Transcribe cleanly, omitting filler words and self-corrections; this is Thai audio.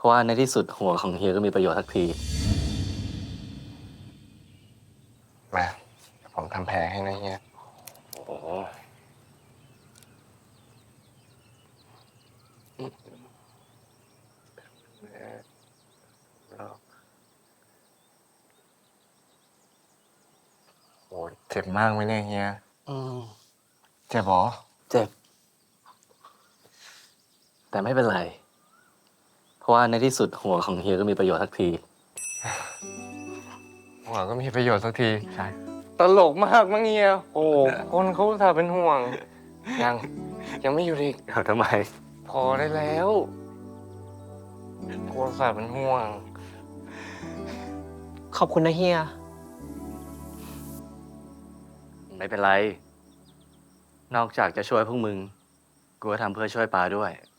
ราะว่าในที่สุดหัวของเฮียก็มีประโยชน์สักทีมาผมทำแผลให้นะเฮียโอ้โหโอ้เจ็บมากไหมเนี่ยเฮียอืมเจ็บหรอเจ็บ แต่ไม่เป็นไร เพราะว่าในที่สุดหัวของเฮียก็มีประโยชน์สักทีหัวก็มีประโยชน์สักทีใช่ตลกมากมั้งเฮียโอ้คนเขาอุตส่าห์เป็นห่วง ยังไม่อยู่อีกทำไมพอได้แล้วคนอุตส่าห์เป็นห่วงขอบคุณนะเฮียไม่เป็นไร นอกจากจะช่วยพวกมึง กูก็ทำเพื่อช่วยปาด้วย